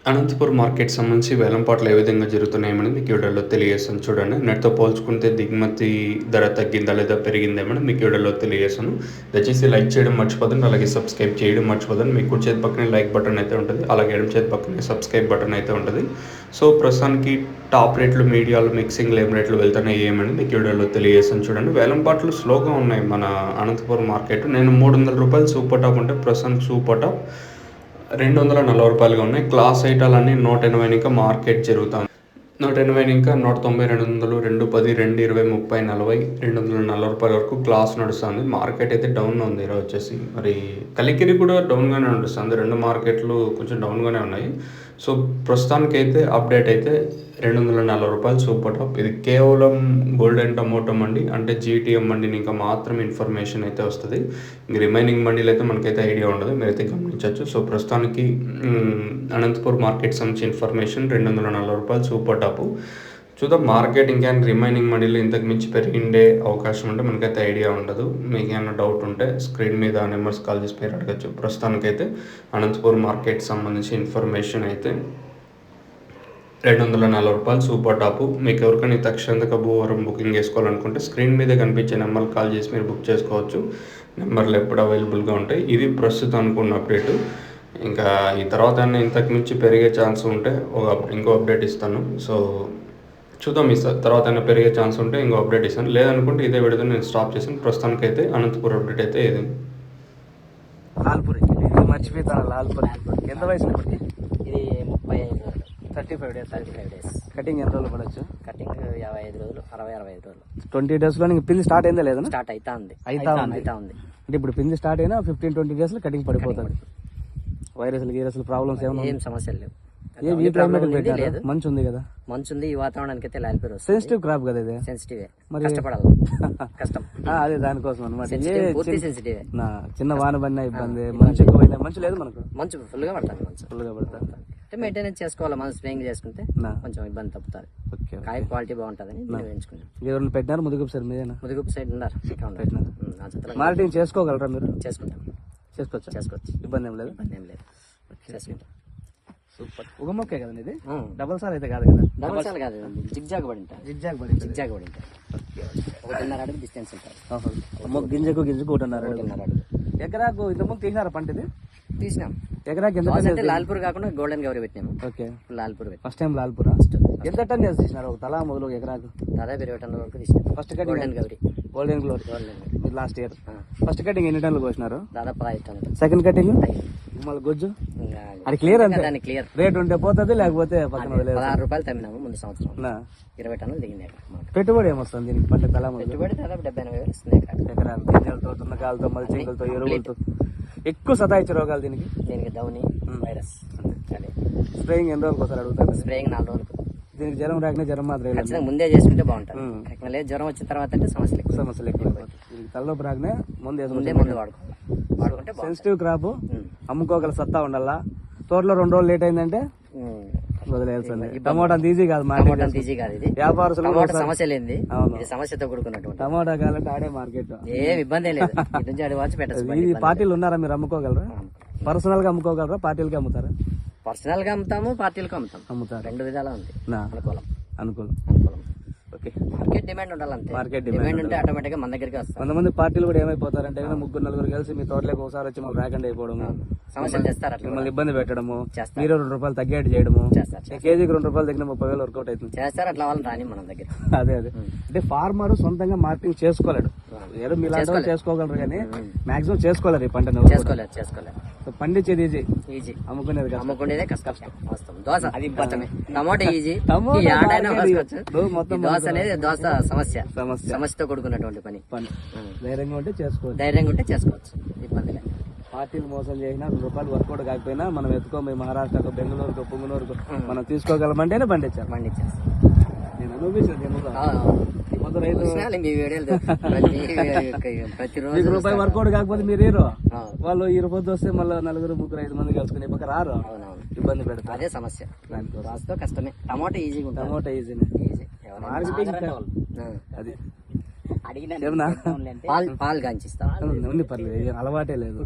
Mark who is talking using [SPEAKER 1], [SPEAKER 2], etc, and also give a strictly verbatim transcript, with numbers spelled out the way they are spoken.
[SPEAKER 1] Anantapur market సంబంధించి వేలంపాట్లు ఏ విధంగా జరుగుతున్నాయేమని మీకు వీడియోలో తెలియజేస్తాను చూడండి. నెట్తో పోల్చుకుంటే దిగుమతి ధర తగ్గిందా లేదా పెరిగిందేమని మీకు వీడియోలో తెలియజేస్తాను. దయచేసి లైక్ చేయడం మర్చిపోదండి, అలాగే సబ్స్క్రైబ్ చేయడం మర్చిపోదండి. మీకు కుడి చేతి పక్కనే లైక్ బటన్ అయితే ఉంటుంది, అలాగే ఎడమ చేతి పక్కనే సబ్స్క్రైబ్ బటన్ అయితే ఉంటుంది. సో ప్రస్తుతానికి టాప్ రేట్లు, మీడియాలు, మిక్సింగ్ లేమ్ రేట్లు వెళ్తున్నాయి ఏమని మీకు వీడియోలో తెలియజేస్తాను చూడండి. వేలంపాట్లు స్లోగా ఉన్నాయి మన అనంతపురం మార్కెట్. నేను మూడు వందల రూపాయలు సూపర్ టాప్ ఉంటే ప్రస్తుతానికి సూపర్ టాప్ రెండు వందల నలభై రూపాయలుగా ఉన్నాయి. క్లాస్ ఐటాలన్నీ నూట ఎనభై ఇంకా మార్కెట్ జరుగుతుంది. నూట ఎనభై ఇంకా నూట తొంభై, రెండు వందలు, రెండు పది, రెండు ఇరవై, ముప్పై, నలభై, రెండు వందల నలభై రూపాయల వరకు క్లాస్ నడుస్తుంది. మార్కెట్ అయితే డౌన్ ఉంది ఈరోజు వచ్చేసి. మరి కలికిరి కూడా డౌన్గానే నడుస్తుంది. రెండు మార్కెట్లు కొంచెం డౌన్గానే ఉన్నాయి. సో ప్రస్తుతానికైతే అప్డేట్ అయితే రెండు వందల నలభై రూపాయలు సూపర్ టాప్. ఇది కేవలం గోల్డెన్ టమోటో మండి, అంటే జీటీఎం మండిని ఇంకా మాత్రం ఇన్ఫర్మేషన్ అయితే వస్తుంది. ఇంక రిమైనింగ్ మండీలు అయితే మనకైతే ఐడియా ఉండదు, మీరైతే గమనించవచ్చు. సో ప్రస్తుతానికి అనంతపూర్ మార్కెట్ సంబంధించి ఇన్ఫర్మేషన్ రెండు వందల నలభై రూపాయలు సూపర్ టాప్. చూద్దాం మార్కెట్ ఇంకా రిమైనింగ్ మండీలు ఇంతకు మించి పెరిగిండే అవకాశం ఉంటే మనకైతే ఐడియా ఉండదు. మీకు ఏమైనా డౌట్ ఉంటే స్క్రీన్ మీద నెంబర్స్ కాల్ చేసి పేరు అడగచ్చు. ప్రస్తుతానికైతే అనంతపూర్ మార్కెట్ సంబంధించి ఇన్ఫర్మేషన్ అయితే రెండు వందల నలభై రూపాయలు సూపర్ టాపు. మీకు ఎవరికైనా తక్షణక భూవరం బుకింగ్ చేసుకోవాలనుకుంటే స్క్రీన్ మీద కనిపించే నెంబర్కి కాల్ చేసి మీరు బుక్ చేసుకోవచ్చు. నెంబర్లు ఎప్పుడు అవైలబుల్గా ఉంటాయి. ఇది ప్రస్తుతం అనుకున్న అప్డేటు. ఇంకా ఈ తర్వాత ఇంతకు మించి పెరిగే ఛాన్స్ ఉంటే ఒక ఇంకో అప్డేట్ ఇస్తాను. సో చూద్దాం, ఈ తర్వాత అయినా పెరిగే ఛాన్స్ ఉంటే ఇంకో అప్డేట్ ఇస్తాను. లేదనుకుంటే ఇదే విడత నేను స్టాప్ చేశాను. ప్రస్తుతానికైతే అనంతపూర్ అప్డేట్ అయితే ఇది.
[SPEAKER 2] లాల్పూర్ మర్చిపోతాను. లాల్పూర్ ఎంత వయసు ఇప్పటికి?
[SPEAKER 3] ఇది ముప్పై ఐదు రోజులు,
[SPEAKER 2] thirty five days
[SPEAKER 3] thirty five days
[SPEAKER 2] cutting ఎన్ని రోజులు పడవచ్చు?
[SPEAKER 3] కటింగ్ యాభై ఐదు రోజులు, అరవై అరవై ఐదు రోజులు.
[SPEAKER 2] ట్వంటీ డేస్ లో పిల్లి స్టార్ట్ అయిందా లేదా?
[SPEAKER 3] స్టార్ట్ అవుతా ఉంది
[SPEAKER 2] అయితా ఉంది
[SPEAKER 3] అవుతా ఉంది
[SPEAKER 2] అంటే ఇప్పుడు పిల్లి స్టార్ట్ అయినా ఫిఫ్టీన్ ట్వంటీ డేస్ లో కటింగ్ పడిపోతుంది. వైరస్లు గీరస్లు ప్రాబ్లమ్స్ ఏమైనా?
[SPEAKER 3] ఏం సమస్యలు లేవు.
[SPEAKER 2] ఏ ఈ క్లైమేట్ పెట్టారు, మంచి ఉంది కదా?
[SPEAKER 3] మంచి ఉంది. ఈ వాతావరణానికి అయితే లాల్పూర్
[SPEAKER 2] సెన్సిటివ్ క్రాప్ కదా ఇది.
[SPEAKER 3] సెన్సిటివ్,
[SPEAKER 2] మరి
[SPEAKER 3] కష్టపడాలి, కష్టం.
[SPEAKER 2] అదే దానికోసం అనమాట.
[SPEAKER 3] పూర్తి సెన్సిటివ్.
[SPEAKER 2] చిన్న వాన పడినా ఇబ్బంది, మంచి ఎక్కువైనా మంచి లేదు మనకు.
[SPEAKER 3] మంచు ఫుల్ గా పడుతుంది, మంచు
[SPEAKER 2] ఫుల్ గా పడుతుంది.
[SPEAKER 3] అంటే మెయింటెనెన్స్ చేసుకోవాలి. మనం స్ప్రేయింగ్ చేసుకుంటే కొంచెం ఇబ్బంది తప్పుతుంది. కాయ క్వాలిటీ బాగుంటుందని వేయించుకున్నాం.
[SPEAKER 2] ఎవరిని పెట్టినారు ముదుగుపు సార్ మీదేనా?
[SPEAKER 3] ముదుగుపు సైడ్ ఉన్నారు,
[SPEAKER 2] మార్కెటింగ్ చేసుకోగలరా మీరు?
[SPEAKER 3] చేసుకుంటాం,
[SPEAKER 2] చేసుకోవచ్చు
[SPEAKER 3] చేసుకోవచ్చు.
[SPEAKER 2] ఇబ్బంది ఏం లేదు,
[SPEAKER 3] ఇబ్బంది ఏం లేదు, చేసుకుంటాం.
[SPEAKER 2] సూపర్. ఒక మొక్కే కదండి ఇది? డబల్ సార్ అయితే కాదు కదా?
[SPEAKER 3] డబల్ సార్ కాదు, జిగ్జాగ్ పడి ఉంటాయి.
[SPEAKER 2] జిగ్జాగ్ పడి
[SPEAKER 3] జిగ్జాగ్ పడి ఉంటాయి. ఒకటిన్నర అడుగు డిస్టెన్స్ ఉంటుంది.
[SPEAKER 2] గింజకు గింజకు ఒకటిన్నర
[SPEAKER 3] ఒకటిన్నర అడుగు.
[SPEAKER 2] ఎకరాకు ఇంతకుముందు తీసినారా పంట ఇది?
[SPEAKER 3] తీసినాం.
[SPEAKER 2] ఎకరాకి ఎంత?
[SPEAKER 3] అంటే లాల్పూర్ కాకుండా గోల్డెన్ గౌరీ పెట్టినాము.
[SPEAKER 2] Okay,
[SPEAKER 3] Lalpur
[SPEAKER 2] first time Lalpur. ఎంత టన్ చేసి తీసినారు ఒక తలా మొదలు ఎకరాకు?
[SPEAKER 3] దాదాపు ఇరవై టన్నుల వరకు తీసినాం.
[SPEAKER 2] First cutting
[SPEAKER 3] golden Gauri.
[SPEAKER 2] Golden glory మీరు లాస్ట్ ఇయర్ ఫస్ట్ కటింగ్ ఎన్ని టన్నులు కోసినారు?
[SPEAKER 3] దాదాపు ఐదు టన్నులు.
[SPEAKER 2] సెకండ్ కటింగ్ మళ్ళీ గొజ్జు అది క్లియర్ అంతే.
[SPEAKER 3] దాన్ని క్లియర్
[SPEAKER 2] రేట్ ఉంటే పోతుంది, లేకపోతే పక్కన
[SPEAKER 3] పదహారు రూపాయలు తమ్మినాము ముందు సంవత్సరం. ఇరవై టన్నులు దిగింది.
[SPEAKER 2] పెట్టుబడి ఏమొస్తుంది దీనికి పంట తలా మొదలు?
[SPEAKER 3] పెట్టుబడి దాదాపు డెబ్బై ఎనభై వేలు వస్తుంది
[SPEAKER 2] ఎకరాలు. గింజలతో, తున్నకాలతో, మల్చింగులతో, ఎరువులతో. ఎక్కువ సతాయిచ్చే రోగాలు దీనికి?
[SPEAKER 3] దీనికి దౌని వైరస్.
[SPEAKER 2] స్ప్రేయింగ్ ఎన్ని రోజులకు ఒకసారి అడుగుతారు?
[SPEAKER 3] స్ప్రేయింగ్ నాలుగు రోజులకు.
[SPEAKER 2] దీనికి జ్వరం రాకనే జ్వరం మాత్రం
[SPEAKER 3] ఖచ్చితంగా ముందే చేసుకుంటే బాగుంటుంది. లేదు జ్వరం వచ్చిన తర్వాత అంటే సమస్యలు ఎక్కువ.
[SPEAKER 2] సమస్యలు ఎక్కువ. దీనికి తలలోపు రాకనే ముందే
[SPEAKER 3] ముందే మందు వాడుకోవాలి. వాడుకుంటే
[SPEAKER 2] సెన్సిటివ్ క్రాప్, అమ్ముకోగల సత్తా ఉండాలా. తోటలో రెండు రోజులు లేట్ అయిందంటే వదిలేయాల్సింది. టమోటా అంత ఈజీ కాదు,
[SPEAKER 3] టమోటా అంత ఈజీ కాదు. ఇది
[SPEAKER 2] వ్యాపారస్తులు
[SPEAKER 3] సమస్య లేనిది, ఇది సమస్యతో కూడుకున్నటువంటి
[SPEAKER 2] టమోటా కావాలంటే ఆడే మార్కెట్.
[SPEAKER 3] ఏం ఇబ్బంది లేదు. ఇటు నుంచి ఆడి వచ్చి పెట్టచ్చు.
[SPEAKER 2] ఈ పార్టీలు ఉన్నారా మీరు అమ్ముకోగలరా? పర్సనల్ గా అమ్ముకోగలరా? పార్టీలకి అమ్ముతారా?
[SPEAKER 3] పర్సనల్ గా అమ్ముతాము, పార్టీలకు అమ్ముతాం.
[SPEAKER 2] అమ్ముతారు.
[SPEAKER 3] రెండు విధాలా ఉంది. అనుకూలం
[SPEAKER 2] అనుకూలం
[SPEAKER 3] అనుకూలం.
[SPEAKER 2] ఓకే,
[SPEAKER 3] మార్కెట్ డిమాండ్ ఉండాలంటే.
[SPEAKER 2] మార్కెట్
[SPEAKER 3] డిమాండ్ ఉంటే ఆటోమేటిక్ గా మన దగ్గరికి వస్తాం.
[SPEAKER 2] కొంతమంది పార్టీలు కూడా ఏమైపోతారంటే ముగ్గురు నలుగురు కలిసి మీ తోటలోకి ఒకసారి వచ్చి మాకు రాకుండా అయిపోవడము,
[SPEAKER 3] సమస్యలు చేస్తారు. అట్లా
[SPEAKER 2] మిమ్మల్ని ఇబ్బంది పెట్టడము, మీరు రెండు రూపాయలు తగ్గేట్టు చేయడము. కేజీకి రెండు రూపాయలు తగ్గిన ముప్పై వేలు వర్కౌట్ అవుతుంది.
[SPEAKER 3] చేస్తారు అట్లా వాళ్ళని రాని మన దగ్గర.
[SPEAKER 2] అదే అదే అంటే ఫార్మర్ సొంతంగా మార్కెటింగ్ చేసుకోలేడు. ఏదో మీలాంటి వాళ్ళు చేసుకోగలరు కానీ మాక్సిమం చేసుకోలేరు ఈ పంట.
[SPEAKER 3] చేసుకోలేదు చేసుకోలేదు
[SPEAKER 2] పండించేది ఈజీ,
[SPEAKER 3] ఈజీ.
[SPEAKER 2] అమ్ముకునేది
[SPEAKER 3] అమ్ముకునేదే కష్టం. వస్తాం దోశ అది కష్టమే. టమాటో ఈజీ,
[SPEAKER 2] మొత్తం
[SPEAKER 3] దోశ అనేది దోశ సమస్య.
[SPEAKER 2] సమస్య
[SPEAKER 3] సమస్యతో కూడుకున్నటువంటి పని.
[SPEAKER 2] పని ధైర్యంగా ఉంటే చేసుకోవచ్చు.
[SPEAKER 3] ధైర్యంగా ఉంటే చేసుకోవచ్చు, ఇబ్బంది లేదు.
[SPEAKER 2] పార్టీలు మోసం చేసినా రెండు రూపాయలు వర్కౌట్ కాకపోయినా మనం ఎత్తుకో మీ మహారాష్ట్రకు, బెంగళూరుకు, పుంగనూరుకు మనం తీసుకోగలమంటేనే పండించారు.
[SPEAKER 3] పండించారు.
[SPEAKER 2] నేను అనుభవించాను. ప్రతిరోజు రూపాయి వర్కౌట్ కాకపోతే మీరు హీరో. వాళ్ళు ఈ రూపాయలు వస్తే మళ్ళీ నలుగురు ముగ్గురు ఐదు మంది కలుసుకుని పక్క రారు, ఇబ్బంది పెడతారు.
[SPEAKER 3] అదే సమస్య. దానితో కష్టమే. టమాటా ఈజీగా ఉంటుంది.
[SPEAKER 2] టమాటా ఈజీనే. మార్కెటింగ్ అది
[SPEAKER 3] అడిగిన పాలు పాలు కాంచిస్తా.
[SPEAKER 2] పర్లేదు, అలవాటే లేదు.